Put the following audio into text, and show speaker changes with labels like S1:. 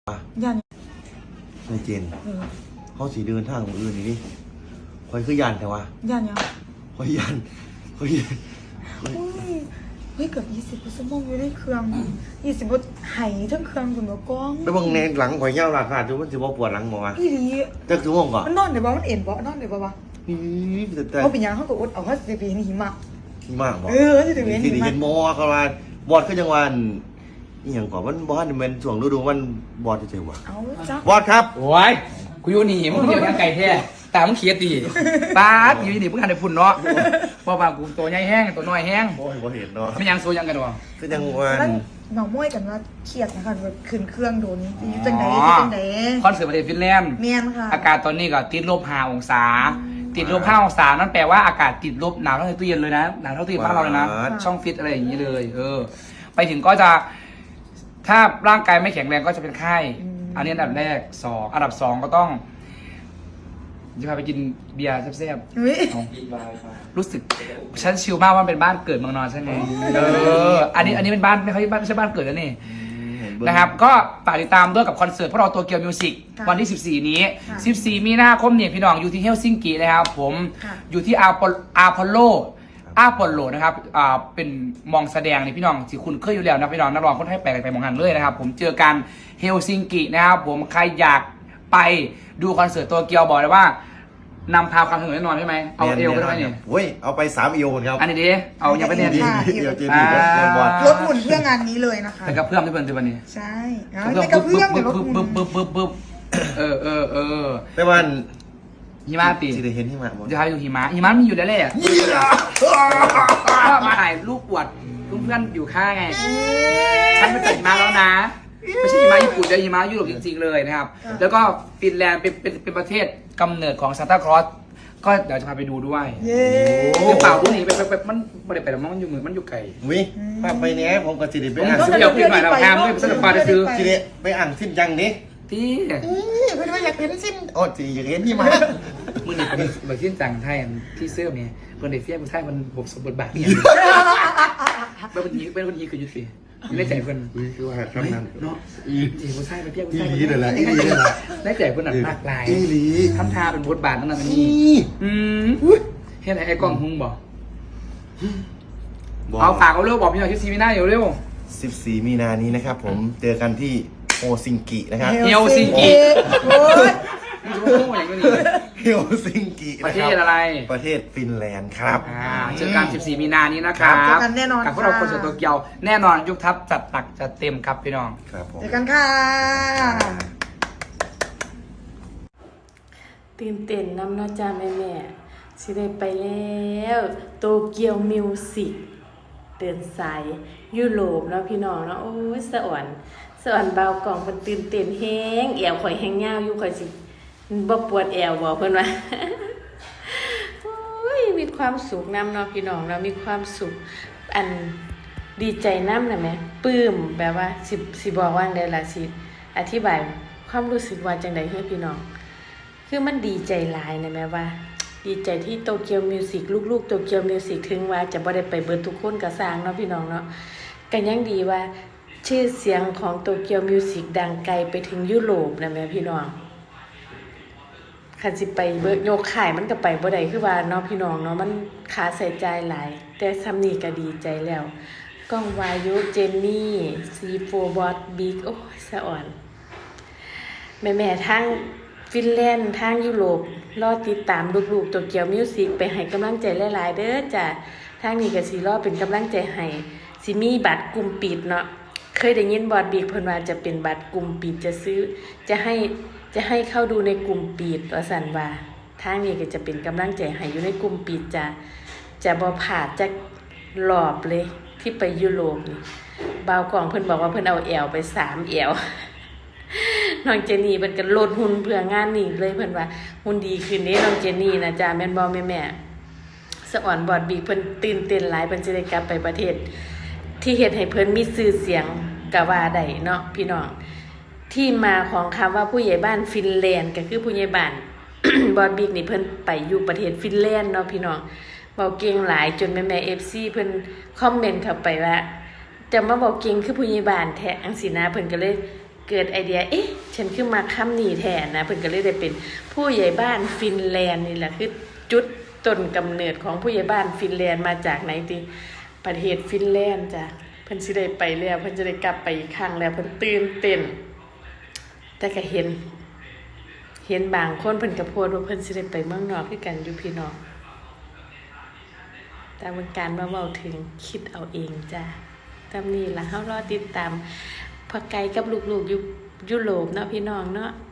S1: ยัน
S2: ในเจนเขาสีเดินทางของอื่นนี่คอยคือยันแต่ว่า
S1: ยันยัง
S2: คอยยัน
S1: เฮ้ยเกือบ20 ชั่วโมงอยู่ในเครื่อง20 บทไหทั้งเครื่องคุณหมอกล้อง
S2: ไปบังแนนหลังคอยเย้าราคาดูมันจะบ่ปวดหลังบ่วะ
S1: อีหลี
S2: จักชั่วโมงก่อน
S1: มันนอนได้บ่มันเอ็นบ่นอนได้บ่วะ
S2: แต่
S1: เขาเป็นยังเขาก็อดเอาเขาสิไปเห็นหิมะ
S2: มากบ่
S1: สิไปเห็นหิมะ
S2: เห็นบ่เขาว่าบอดคือจังหวัดอีหยังก่อนมันบ่ทันเป็นช่วงฤดูมันบอดเฉยๆว่ะ
S1: เอาจ้ะ
S2: บอดครับ
S3: โอ้ยกูอยู่นี่มึงเกี่ยวกับไก่แท้ตามึงเขียดตีป๊าดอยู่นี่มึงหันไปพุ่นเนาะบ่ว่ากูตัวใหญ่แห้งตัวน้อยแห้ง
S2: บ่เห็นเนาะ
S3: ไม่ยังโซยังกันวะ
S2: คือจังหวัด
S1: เมาม้วยกันว่าเครียดนะคะแบบขึ้นเครื่องโดนอยู่จังได๋
S3: คอนเสิร์ตประเทศฟินแลนด์
S1: แม่นค่ะ
S3: อากาศตอนนี้ก็ติดลบ5 องศาติดลบ5 องศานั่นแปลว่าอากาศติดลบหนาวเท่าตู้เย็นเลยนะหนาวเท่าตู้เย็นบ้านเราเลยนะช่องฟิตอะไรอย่างนี้เลยไปถึงก็จะถ้าร่างกายไม่แข็งแรงก็จะเป็นไข้อันนี้อันดับแรก2อันดับ2ก็ต้องจะพาไปกินเบียร์แซ่บๆรู้สึกฉันชิลมากว่าเป็นบ้านเกิดเมืองนอนใช่ไหมอันนี้เป็นบ้านไม่ใช่บ้านเกิดแล้วนี่นะครับก็ฝากติดตามด้วยกับคอนเสิร์ตพวกเราโตเกียวมิวสิกวันที่14นี้14มีนาคมเนี่ยพี่น้องอยู่ที่เฮลซิงกินะครับผมอยู่ที่อาพอลโลนะครับเป็นมองแสดงนี่พี่น้องที่คุณเคยอยู่แล้วนะพี่น้องนักร้องคนไทยแปลกไปมองหันเลยนะครับผมเจอกันเฮลซิงกินะครับผมใครอยากไปดูคอนเสิร์ตโตเกียวบอกเลยว่านำพาความสนุกแน่นอนใช่ไหมเอาเอวไปด้วยนี่
S2: เว้ยเอาไป3 เอวครับ
S3: อันนี้ดิเอายังไปเนี่ย
S2: ดิเดี๋ยวเจนี่บอด
S1: รถหมุนเพื่องานนี้เลยนะคะ
S3: ไปกับเพื่อนที่เพื่อนที่วันนี้
S1: ใช่ไปกับเพื่อนเหมือนรถหมุน
S3: บึ๊บ
S2: แต่ว่า
S3: หิมะปี
S2: จะได้เห็นหิมะ
S3: จะพาไปดูหิมะมีอยู่แล้วแหละก็มาถ่ายรูปอวดเพื่อนอยู่ข้างไงฉันไปตัดหิมะแล้วนะไม่ใช่หิมะญี่ปุ่นแต่หิมะยุโรปจริงๆเลยนะครับแล้วก็ฟินแลนด์เป็นประเทศกำเนิดของซานตาคลอสก็เดี๋ยวจะพาไปดูด้วยคือเปล่าดูนี่ไปมันไม่ได้ไปแล้วมันอยู่เหมือนมันอยู่ไกล
S2: วิพาไปเนี้ยผมก็จะได้ไป
S3: อ่านซื้อเดี๋ยวขึ้นหน่อยเราทำด้วยสนุกปาจะซื้อ
S2: จะได้ไปอ่านสิ้นยังนี้
S3: ที่
S1: เพื่อนว่าอยากเห็นสิ้น
S2: โอ้จีอยากเห็นหิมะ
S3: มึงนี่แบบสิ้นจังไทยที่เสื้อเนี่ยคนเด็กเฟี้ยงไทยมันผมสมบูรณ์แบบเนี่ยเป็นคนยีคือยุติได้ใจเพื่อน
S2: คือว่าทำนั้น
S3: เนาะจีผู้ชายไปเพี้ยผู้ชาย
S2: อีหลีเลยแหละอีหลีเลยแหละ
S3: ได้ใจเพื่อนหนักมากลาย
S2: อีหลี
S3: ทำทาเป็นบทบาทนั่นน่ะนี่เห็นไอ้กล้องหุงบอกเอาฝากเอาเร็วบอกพี่หน่อยที่ซีมีหน้าอยู่เร็ว
S2: 14 มีนานี้นะครับผมเจอกันที่โฮซิงกินะครับ
S3: เฮลซิงกิ
S1: โอ้ย
S2: เฮลซิงกิ
S3: ประเทศอะไร
S2: ประเทศฟินแลนด์ครับ
S3: เจอกัน14 มีนานี้นะครับ
S1: เจอกันแน่นอน
S3: กับพวกเราคนเสิร์ตโตเกียวแน่นอนยุคทัพจัดหนักจัดเต็มครับพี่น้อง
S2: ครับผม
S1: เจอกันค่ะ
S4: ตื่นเต้นน้ำน้าจ้าแม่สิได้ไปแล้วโตเกียวมิวสิกเดินสายยุโรปเนาะพี่น้องเนาะโอ้ยสวรรค์เบากล่องมันตื่นเต้นแห้งแอวข่อยแห้งยาวอยู่ข่อยสิบ่ปวดแอวบ่เพิ่นว่าโอ้ยมีความสุขนำเนาะพี่น้องเรามีความสุขอันดีใจนำน่ะแม่ปลื้มแบบว่าสิบอกว่าได้ล่ะสิอธิบายความรู้สึกว่าจังได๋ให้พี่น้องคือมันดีใจหลายนะแม่ว่าดีใจที่โตเกียวมิวสิกลูกๆโตเกียวมิวสิกถึงว่าจะบ่ได้ไปเบิดทุกคนก็สร้างเนาะพี่น้องเนาะก็ยังดีว่าชื่อเสียงของโตเกียวมิวสิกดังไกลไปถึงยุโรปนะแม่พี่น้องคันสิไปเบิกโยกขายมันก็ไปบ่ได้คือว่าเนาะพี่น้องเนาะมันค่าใช้จ่ายหลายแต่ซำนี้ก็ดีใจแล้วก้องวายุเจนนี่C4 บอสบิ๊กโอ้ยสะอ่อนแม่ๆทั้งฟินแลนด์ทางยุโรปรอติดตามลูกๆโตเกียวมิวสิกไปให้กำลังใจหลายๆเด้อจ้ะทางนี้ก็สิรอเป็นกำลังใจให้สิมีบัตรกลุ่มปิดเนาะเคยได้ยินบอสบิ๊กเพิ่นว่าจะเป็นบัตรกลุ่มปิดจะให้เข้าดูในกลุ่มปิดว่าซั่นว่าทางนี้ก็จะเป็นกำลังใจให้อยู่ในกลุ่มปิดจะบ่พลาดจักรอบเลยที่ไปยุโรปนี่บ่าวกล่องเพิ่นบอกว่าเพิ่นเอาแอวไป3แอวน้องเจนี่เพิ่นก็ลดหุ่นเพื่องานนี้เลยเพิ่นว่าหุ่นดีขึ้นเด้น้องเจนี่นะจ้าแม่นบ่แม่สะอ่อนบอดบีเพิ่นตื่นเต้นหลายเพิ่นสิได้กลับไปประเทศที่เฮ็ดให้เพิ่นมีชื่อเสียงก็ว่าได้เนาะพี่น้องที่มาของคำว่าผู้ใหญ่บ้านฟินแลนด์ก็คือผู้ใหญ่บ้าน บอดบิ๊กนี่เพิ่นไปอยู่ประเทศฟินแลนด์เนาะพี่น้องเว้าเก่งหลายจนแม่ๆ FC เพิ่นคอมเมนต์เข้าไปว่าจะมาบอกเก่งคือผู้ใหญ่บ้านแท้จังซี่นะเพิ่นก็เลยเกิดไอเดียฉันคือมาคำนี้แทนนะเพิ่นก็เลยได้เป็นผู้ใหญ่บ้านฟินแลนด์นี่แหละคือจุดต้นกำเนิดของผู้ใหญ่บ้านฟินแลนด์มาจากไหนติประเทศฟินแลนด์จ้ะเพิ่นสิได้ไปแล้วเพิ่นจะได้กลับไปอีกครั้งแล้วเพิ่นตื่นเต้นแต่ก็เห็นบางคนเพิ่นก็โพสต์ว่าเพิ่นสิได้ไปเมืองนอกคือกันอยู่พี่น้องแต่เป็นการมาเว้าถึงคิดเอาเองจ้ะตามนี้ล่ะเฮารอติดตามพ่อไก่กับลูกๆอยู่ยุโรปเนาะพี่น้องเนาะ